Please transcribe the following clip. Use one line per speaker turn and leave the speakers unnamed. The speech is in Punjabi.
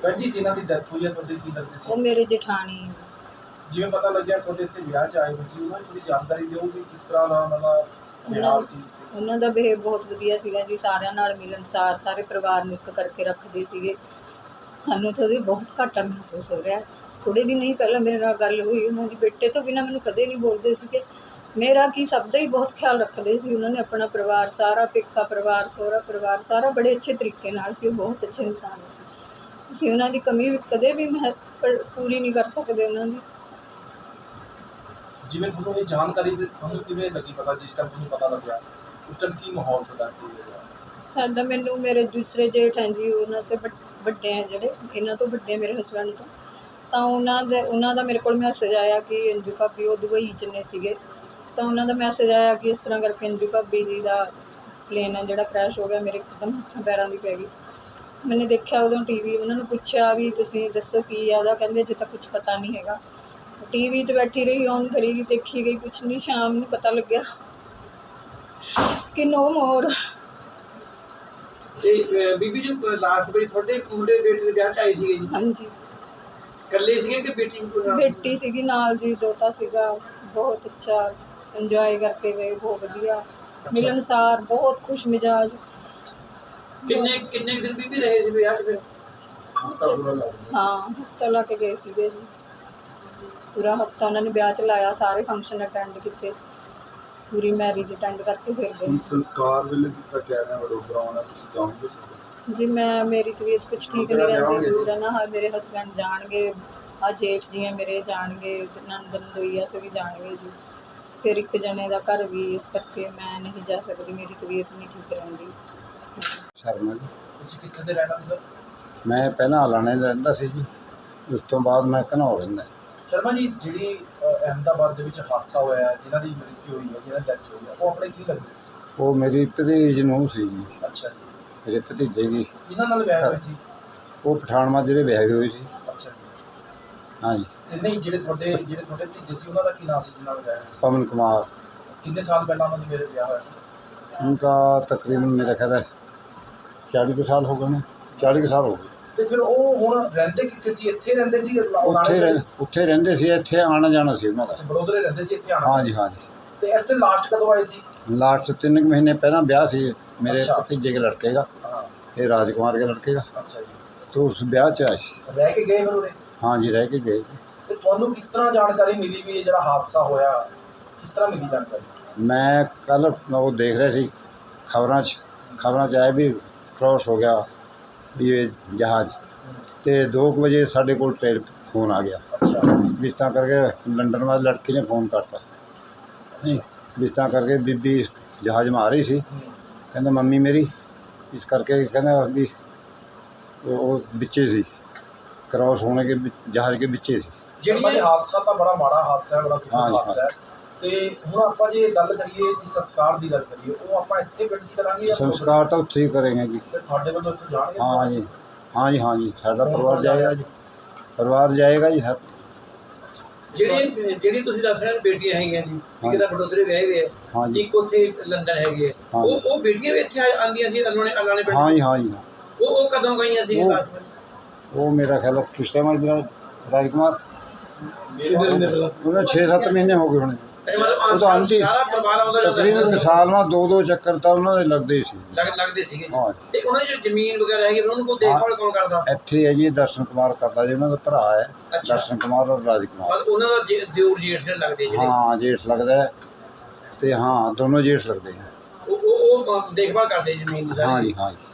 ਭੈਣ ਜੀ ਜਿਨ੍ਹਾਂ ਦੀ ਡੈਥ ਹੋਈ ਹੈ ਤੁਹਾਡੇ ਕੀ ਲੱਗਦੇ ਸੀ?
ਉਹ ਮੇਰੇ ਜੇਠਾਣੀ।
ਜਿਵੇਂ ਪਤਾ ਲੱਗਿਆ ਤੁਹਾਡੇ ਇੱਥੇ ਵਿਆਹ 'ਚ ਆਏ ਹੋਏ ਸੀ, ਉਹਨਾਂ ਦੀ ਥੋੜੀ ਜਾਣਕਾਰੀ ਦਿਓ ਵੀ ਕਿਸ ਤਰ੍ਹਾਂ ਦਾ ਉਹਨਾਂ ਦਾ ਵਿਹਾਰ ਸੀ।
ਉਹਨਾਂ ਦਾ ਬਿਹੇਵ ਬਹੁਤ ਵਧੀਆ ਸੀਗਾ ਜੀ, ਸਾਰਿਆਂ ਨਾਲ ਮਿਲਣਸਾਰ, ਸਾਰੇ ਪਰਿਵਾਰ ਨੂੰ ਇੱਕ ਕਰਕੇ ਰੱਖਦੇ ਸੀਗੇ। ਸਾਨੂੰ ਤਾਂ ਉਹਦੀ ਬਹੁਤ ਘਾਟਾ ਮਹਿਸੂਸ ਹੋ ਰਿਹਾ। ਥੋੜ੍ਹੇ ਦਿਨ ਹੀ ਪਹਿਲਾਂ ਮੇਰੇ ਨਾਲ ਗੱਲ ਹੋਈ, ਉਹਨਾਂ ਦੀ ਬੇਟੇ ਤੋਂ ਬਿਨਾਂ ਮੈਨੂੰ ਕਦੇ ਨਹੀਂ ਬੋਲਦੇ ਸੀਗੇ। ਮੇਰਾ ਕੀ ਸਭ ਦਾ ਹੀ ਬਹੁਤ ਖਿਆਲ ਰੱਖਦੇ ਸੀ ਉਹਨਾਂ ਨੇ, ਆਪਣਾ ਪਰਿਵਾਰ ਸਾਰਾ, ਪੇਕਾ ਪਰਿਵਾਰ, ਸਹੁਰਾ ਪਰਿਵਾਰ ਸਾਰਾ ਬੜੇ ਅੱਛੇ ਤਰੀਕੇ ਨਾਲ ਸੀ। ਉਹ ਬਹੁਤ ਅੱਛੇ ਇਨਸਾਨ ਸੀ। ਅਸੀਂ ਉਹਨਾਂ ਦੀ ਕਮੀ ਕਦੇ ਵੀ ਪੂਰੀ ਨਹੀਂ ਕਰ ਸਕਦੇ ਉਹਨਾਂ ਦੀ।
ਜਿਵੇਂ ਤੁਹਾਨੂੰ ਇਹ ਜਾਣਕਾਰੀ ਤੁਹਾਨੂੰ ਕਿਵੇਂ ਲੱਗੀ ਪਤਾ, ਜਿਸ ਟਾਈਮ ਤੁਹਾਨੂੰ ਪਤਾ ਲੱਗਿਆ ਉਸ ਟਾਈਮ ਕੀ ਮਾਹੌਲ ਤੁਹਾਡਾ ਕੀ ਹੋਇਆ?
ਸਾਡਾ, ਮੈਨੂੰ ਮੇਰੇ ਦੂਸਰੇ ਜੇਠ ਹੈ ਜੀ, ਉਹਨਾਂ ਤੋਂ ਵੱਡੇ ਹੈ ਜਿਹੜੇ, ਇਹਨਾਂ ਤੋਂ ਵੱਡੇ ਮੇਰੇ ਹਸਬੈਂਡ ਤੋਂ, ਤਾਂ ਉਹਨਾਂ ਦਾ ਮੇਰੇ ਕੋਲ ਮੈਸੇਜ ਆਇਆ ਕਿ ਅੰਜੂ ਭਾਬੀ, ਉਹ ਦੁਬਈ 'ਚ ਨੇ ਸੀਗੇ, ਤਾਂ ਉਹਨਾਂ ਦਾ ਮੈਸੇਜ ਆਇਆ ਕਿ ਇਸ ਤਰ੍ਹਾਂ ਕਰਕੇ ਅੰਜੂ ਭਾਬੀ ਜੀ ਦਾ ਪਲੇਨ ਹੈ ਜਿਹੜਾ ਕ੍ਰੈਸ਼ ਹੋ ਗਿਆ। ਮੇਰੇ ਇੱਕਦਮ ਹੱਥਾਂ ਪੈਰਾਂ ਦੀ ਪੈ ਗਈ। ਮੈंने ਦੇਖਿਆ ਉਦੋਂ ਟੀਵੀ, ਉਹਨਾਂ ਨੂੰ ਪੁੱਛਿਆ ਵੀ ਤੁਸੀਂ ਦੱਸੋ ਕੀ ਆ ਉਹਦਾ, ਕਹਿੰਦੇ ਅਜੇ ਤਾਂ ਕੁਝ ਪਤਾ ਨਹੀਂ ਹੈਗਾ। ਟੀਵੀ 'ਚ ਬੈਠੀ ਰਹੀ, ਔਨ ਕਰੀ ਗਈ, ਦੇਖੀ ਗਈ, ਕੁਛ ਨਹੀਂ। ਸ਼ਾਮ ਨੂੰ ਪਤਾ ਲੱਗਿਆ ਕਿ ਨੋ ਮੋਰ।
ਤੇ ਬੀਬੀ ਜੀ ਲਾਸਟ ਵਾਰੀ ਤੁਹਾਡੇ ਮੁੰਡੇ ਬੇਟੇ ਦੇ ਵਿਆਹ 'ਚ ਆਏ ਸੀਗੇ ਜੀ?
ਹਾਂਜੀ।
ਇਕੱਲੇ ਸੀਗੇ ਕਿ ਬੇਟੀ ਵੀ ਨਾਲ?
ਬੇਟੀ ਸੀਗੀ ਨਾਲ ਜੀ, ਦੋਤਾ ਸੀਗਾ। ਬਹੁਤ ਅੱਛਾ ਇੰਜੋਏ ਕਰਕੇ ਗਏ, ਬਹੁਤ ਵਧੀਆ, ਮਿਲਣਸਾਰ, ਬਹੁਤ ਖੁਸ਼ ਮਿਜਾਜ।
ਕਿੰਨੇ ਦਿਨ ਬੀਬੀ ਰਹੇ ਸੀ ਵਿਆਹ 'ਚ ਫਿਰ?
ਹਾਂ, ਹਫ਼ਤਾ ਲਾ ਕੇ ਗਏ ਸੀਗੇ ਜੀ। ਪੂਰਾ ਹਫ਼ਤਾ ਉਹਨਾਂ ਨੇ ਵਿਆਹ 'ਚ ਲਾਇਆ, ਸਾਰੇ ਫੰਕਸ਼ਨ ਅਟੈਂਡ ਕੀਤੇ, ਪੂਰੀ ਮੈਰਿਜ ਅਟੈਂਡ ਕਰਕੇ ਫਿਰ ਗਏ।
ਸੰਸਕਾਰ ਵੇਲੇ ਜਿਸ ਤਰ੍ਹਾਂ ਕਹਿ ਰਹੇ ਵਡੋਦਰਾ ਆਉਣਾ, ਤੁਸੀਂ ਜਾਓਗੇ?
ਜੀ ਮੇਰੀ ਤਬੀਅਤ ਕੁਛ ਠੀਕ ਨਹੀਂ ਰਹਿੰਦੀ, ਦੂਰ ਹੈ ਨਾ। ਮੇਰੇ ਹਸਬੈਂਡ ਜਾਣਗੇ, ਆ ਜੇਠ ਜੀ ਹੈ ਮੇਰੇ ਜਾਣਗੇ, ਨੰਦਨ ਦੋਈਆ ਸੇ ਵੀ ਜਾਣਗੇ ਜੀ। ਫਿਰ ਇੱਕ ਜਣੇ ਦਾ ਘਰ ਵੀ, ਇਸ ਕਰਕੇ ਮੈਂ ਨਹੀਂ ਜਾ ਸਕਦੀ, ਮੇਰੀ ਤਬੀਅਤ ਨਹੀਂ ਠੀਕ ਰਹਿੰਦੀ।
ਸ਼ਰਮਾ ਜੀ।
ਤੁਸੀਂ ਕਿੱਥੇ ਦੇ ਰਹਿਣ ਵਾਲੇ ਸਰ?
ਮੈਂ ਪਹਿਲਾਂ ਹਲਾਣੇ ਰਹਿੰਦਾ ਸੀ ਜੀ, ਉਸ ਤੋਂ ਬਾਅਦ ਮੈਂ ਘਨੌਰ ਰਹਿੰਦਾ।
ਸ਼ਰਮਾ ਜੀ, ਜਿਹੜੀ ਅਹਿਮਦਾਬਾਦ ਦੇ ਵਿੱਚ ਹਾਦਸਾ ਹੋਇਆ, ਜਿਨ੍ਹਾਂ ਦੀ ਮ੍ਰਿਤੂ ਹੋਈ ਹੈ, ਜਿਹਨਾਂ ਦੀ ਡੈਥ ਹੋਈ ਹੈ, ਉਹ ਆਪਣੇ ਕੀ ਲੱਗਦੇ ਸੀ?
ਉਹ ਮੇਰੀ ਭਤੀਜ ਨੂੰ ਸੀ ਜੀ।
ਅੱਛਾ ਜੀ।
ਮੇਰੇ ਭਤੀਜੇ ਦੀ।
ਕਿਹਨਾਂ ਨਾਲ ਵਿਆਹ ਹੋਇਆ ਸੀ?
ਉਹ ਪਠਾਨਮਾਂ ਜਿਹੜੇ ਵਿਆਹੇ ਹੋਏ ਸੀ।
ਅੱਛਾ ਜੀ।
ਹਾਂਜੀ।
ਤੇ ਨਹੀਂ, ਜਿਹੜੇ ਤੁਹਾਡੇ ਭਤੀਜੇ ਸੀ ਉਹਨਾਂ ਦਾ ਕੀ ਨਾਮ ਸੀ ਜਿਹਨਾਂ ਨਾਲ ਵਿਆਹ ਹੋਇਆ ਸੀ?
ਪਵਨ ਕੁਮਾਰ।
ਕਿੰਨੇ ਸਾਲ ਪਹਿਲਾਂ ਉਹਨਾਂ ਦੀ ਮੇਰੇ ਵਿਆਹ ਹੋਇਆ ਸੀ?
उनका तकरीबन मेरा ख्याल है 40 ਕੁ ਸਾਲ ਹੋ ਗਏ ਨੇ। 40 ਕੁ ਸਾਲ ਹੋ ਗਏ।
ਤੇ ਫਿਰ ਉਹ ਹੁਣ ਰਹਿੰਦੇ ਕਿੱਥੇ ਸੀ? ਇੱਥੇ ਰਹਿੰਦੇ ਸੀ?
ਉੱਥੇ ਰਹਿੰਦੇ ਸੀ, ਇੱਥੇ ਆਉਣਾ ਜਾਣਾ ਸੀ ਉਹਨਾਂ ਦਾ।
ਅੱਛਾ, ਬੜੋਦਰੇ ਰਹਿੰਦੇ ਸੀ, ਇੱਥੇ ਆਉਣਾ?
ਹਾਂਜੀ ਹਾਂਜੀ।
ਤੇ ਇੱਥੇ ਲਾਸਟ ਕਦੋਂ ਆਏ ਸੀ?
लास्ट 3 महीने पहला ब्याह सी मेरे
अच्छा।
भतीजे के लड़के का,
हाँ।
ये राजकुमार के लड़के का।
अच्छा जी।
तो उस ब्याह च आए सी।
ਰਹਿ ਕੇ ਗਏ ਫਿਰ ਉਰੇ?
हाँ जी, रह के गए।
ਤੇ ਤੁਹਾਨੂੰ ਕਿਸ ਤਰ੍ਹਾਂ ਜਾਣਕਾਰੀ ਮਿਲੀ ਵੀ ਇਹ ਜਿਹੜਾ ਹਾਦਸਾ ਹੋਇਆ, ਕਿਸ ਤਰ੍ਹਾਂ ਮਿਲੀ ਜਾਣਕਾਰੀ?
मैं कल वो देख रहे सी खबरां च आया भी क्रॉस हो गया ये जहाज़, तो 2 बजे साढ़े को फ़ोन आ गया।
अच्छा।
इस तरह करके लंडन वाली लड़की ने फ़ोन करता नहीं, इस तरह करके बीबी जहाज़ में आ रही सी, कहना मम्मी मेरी, इस करके कहना भी वो बिच्चे सी, क्रॉस होने के जहाज़ के बिच्चे सी।
ਜਿਹੜੀ ਇਹ ਹਾਦਸਾ ਤਾਂ ਬੜਾ ਮਾੜਾ ਹਾਦਸਾ ਹੈ, ਬੜਾ ਦੁਖਦ ਹਾਦਸਾ ਹੈ। ਤੇ ਹੁਣ ਆਪਾਂ ਜੇ ਗੱਲ ਕਰੀਏ ਜੀ ਸੰਸਕਾਰ ਦੀ ਗੱਲ ਕਰੀਏ, ਉਹ ਆਪਾਂ ਇੱਥੇ ਪਿੰਡ 'ਚ ਕਰਾਂਗੇ ਜਾਂ
संस्कार तो उत्थे ही करेंगे जी।
ਫਿਰ ਤੁਹਾਡੇ ਵੱਲੋਂ ਇੱਥੇ ਜਾਣਗੇ?
हाँ जी, हाँ जी, हाँ जी, साडा परिवार जाएगा जी, परिवार जाएगा जी सर।
ਜਿਹੜੀ ਤੁਸੀਂ ਦੱਸ ਰਹੇ ਹੋ ਬੇਟੀਆਂ ਹੈਗੀਆਂ ਜੀ, ਇੱਕ ਤਾਂ ਵਡੋਦਰੇ ਵਿਆਹੇ ਹੋਏ
हाँ
ਆ,
जी,
ਇੱਕ ਉੱਥੇ ਲੰਦਨ ਹੈਗੀ ਹੈ,
हाँ जी,
ਉਹ ਬੇਟੀਆਂ ਵੀ ਇੱਥੇ ਆਉਂਦੀਆਂ ਸੀ ਅਲਾਣੇ ਪਿੰਡ?
हाँ जी, हाँ जी।
ਉਹ ਕਦੋਂ ਗਈਆਂ ਸੀ
ਉਹ-
ਲਾਸਟ ਵਾਰ?
वो मेरा ख्याल है किस टाइम आज राजकुमार उन्हें 6-7 महीने हो गए होने।
ਮਤਲਬ
ਉਹ ਤਾਂ ਆਂਟੀ
ਸਾਰਾ ਪਰਿਵਾਰ ਆਉਂਦਾ
तकरीबन साल में 2-2 चक्कर तो उन्होंने लगते ही सी।
ਲੱਗਦੇ ਸੀਗੇ।
हाँ
ਤੇ ਉਹਨਾਂ ਦੀ ਜੋ ਜ਼ਮੀਨ ਵਗੈਰਾ ਹੈਗੀ ਉਹਨਾਂ ਨੂੰ ਦੇਖਭਾਲ ਕੌਣ ਕਰਦਾ?
ਇੱਥੇ ਹੈ ਜੀ ਦਰਸ਼ਨ ਕੁਮਾਰ ਕਰਦਾ ਜੀ, ਉਹਨਾਂ ਦਾ ਭਰਾ ਹੈ
ਅੱਛਾ।
ਦਰਸ਼ਨ ਕੁਮਾਰ ਔਰ ਰਾਜकुमार।
ਮਤਲਬ ਉਹਨਾਂ ਦਾ ਦਿਓਰ ਜੇਠ ਜਿਹੜੇ ਲੱਗਦੇ ਜਿਹੜੇ,
हाँ जेठ लगता है, तो हाँ दोनों जेठ लगते हैं।
ਉਹ ਦੇਖਭਾਲ ਕਰਦੇ ਜ਼ਮੀਨ ਦੀ
हाँ
ਸਾਰੀ।
जी, हाँ जी।